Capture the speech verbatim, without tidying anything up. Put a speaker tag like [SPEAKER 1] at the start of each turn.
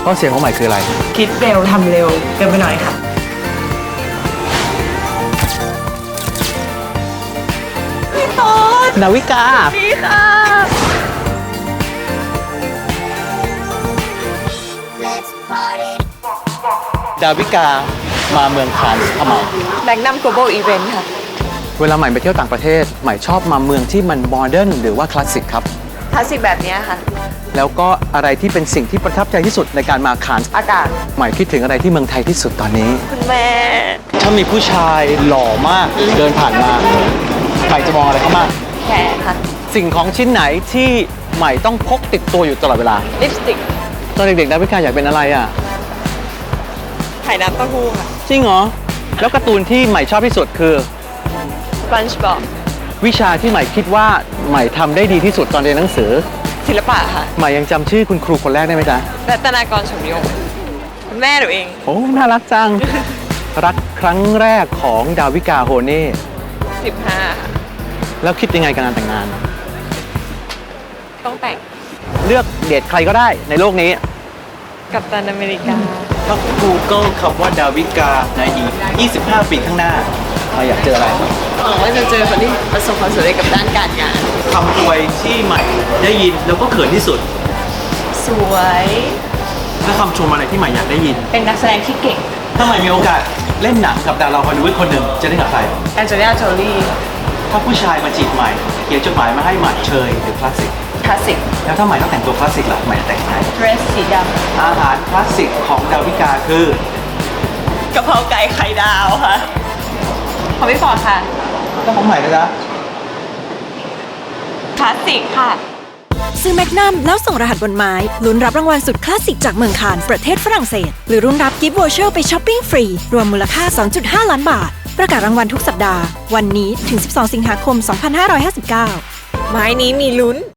[SPEAKER 1] ข้อเสียของใหม่คืออะไร
[SPEAKER 2] คิดเร็วทำเร็วเกินไปหน่อยค่ะพี่ต้น
[SPEAKER 1] นาวิกา
[SPEAKER 2] นี่ค่ะ
[SPEAKER 1] ดาวิกามาเมืองคานส์ทำไม
[SPEAKER 2] แบงค์นัม global event ค่ะ
[SPEAKER 1] เวลาใหม่ไปเที่ยวต่างประเทศใหม่ชอบมาเมืองที่มันโมเดิร์นหรือว่าคลาสสิกครับ
[SPEAKER 2] คลาสสิกแบบนี้ค่ะ
[SPEAKER 1] แล้วก็อะไรที่เป็นสิ่งที่ประทับใจที่สุดในการมาคานส์
[SPEAKER 2] อากาศ
[SPEAKER 1] ใหม่คิดถึงอะไรที่เมืองไทยที่สุดตอนนี้
[SPEAKER 2] คุณแม่
[SPEAKER 1] ถ้ามีผู้ชายหล่อมากเดินผ่านมาใหม่จะมองอะไรเขามาก
[SPEAKER 2] แขนค่ะ
[SPEAKER 1] สิ่งของชิ้นไหนที่ใหม่ต้องพกติดตัวอยู่ตลอดเวลา
[SPEAKER 2] ลิปสติก
[SPEAKER 1] ตอนเด็กๆดาวิกาอยากเป็นอะไรอ่ะ
[SPEAKER 2] ไข่น้ำเต้าหู้ค่ะ
[SPEAKER 1] จริงเหรอแล้วการ์ตูนที่ใหม่ชอบที่สุดคือ
[SPEAKER 2] SpongeBob
[SPEAKER 1] วิชาที่ใหม่คิดว่าใหม่ทำได้ดีที่สุดตอนเรียนหนังสือ
[SPEAKER 2] ศิลปะค่ะ
[SPEAKER 1] ใหม่ยังจำชื่อคุณครูคนแรกได้ไหมจ๊ะ
[SPEAKER 2] รัตนากร ชมยงคุณแม่หนูเอง
[SPEAKER 1] โอ้น่ารักจัง รักครั้งแรกของดาวิกาโฮเน่
[SPEAKER 2] สิบห้า
[SPEAKER 1] แล้วคิดยังไงกับงานแต่งงาน
[SPEAKER 2] ต้องแต่ง
[SPEAKER 1] เลือกเดทใครก็ได้ในโลกนี้
[SPEAKER 2] กัปตันอเมริกา
[SPEAKER 1] ถ้า Google คำว่าดาวิกาในอีกยี่สิบห้าปีข้างหน้าเราอยากเจออะไร
[SPEAKER 2] หวังว่าจะเจอคนที่ประสบความสำเร็จกับด้านการงาน
[SPEAKER 1] คำอวยที่ใหม่ได้ยินแล้วก็เขินที่สุด
[SPEAKER 2] สวย
[SPEAKER 1] ถ้าคำชมอะไรที่ใหม่อยากได้ยิน
[SPEAKER 2] เป็นนักแสดงที่เก่ง
[SPEAKER 1] ถ้าใหม่มีโอกาสเล่นหนังกับดาราฮอลลีวูดคนหนึ่งจะเล่นกับใคร
[SPEAKER 2] แอนเจลิน่าโจลี่
[SPEAKER 1] ถ้าผู้ชายมาจีบใหม่เขียนจดหมายมาให้ใหม่เชยหรือคลาสสิก
[SPEAKER 2] คลาสสิก
[SPEAKER 1] แล้วถ้าใหม่ต้องแต่งตัวคลาสสิกล่ะใหม่แต่งไง
[SPEAKER 2] เดรสสีด
[SPEAKER 1] ำอาหารคลาสสิกของดาวิกาคื
[SPEAKER 2] อกะเพราไก่ไข่ดาวค่ะของพี่ฟอร์ดค่ะ
[SPEAKER 1] ต้องของใหม่นะจ๊ะ
[SPEAKER 2] คลาสสิกค่ะ
[SPEAKER 3] ซื้อแมกนัมแล้วส่งรหัสบนไม้ลุ้นรับรางวัลสุดคลาสสิกจากเมืองคานส์ประเทศฝรั่งเศสหรือรุ่นรับกิฟต์วอเชอร์ไปช้อปปิ้งฟรีรวมมูลค่า สองจุดห้า ล้านบาทประกาศรางวัลทุกสัปดาห์วันนี้ถึงสิบสองสิงหาคมสองพันห้าร้อยห้าสิบเก้าไม้นี้มีลุ้น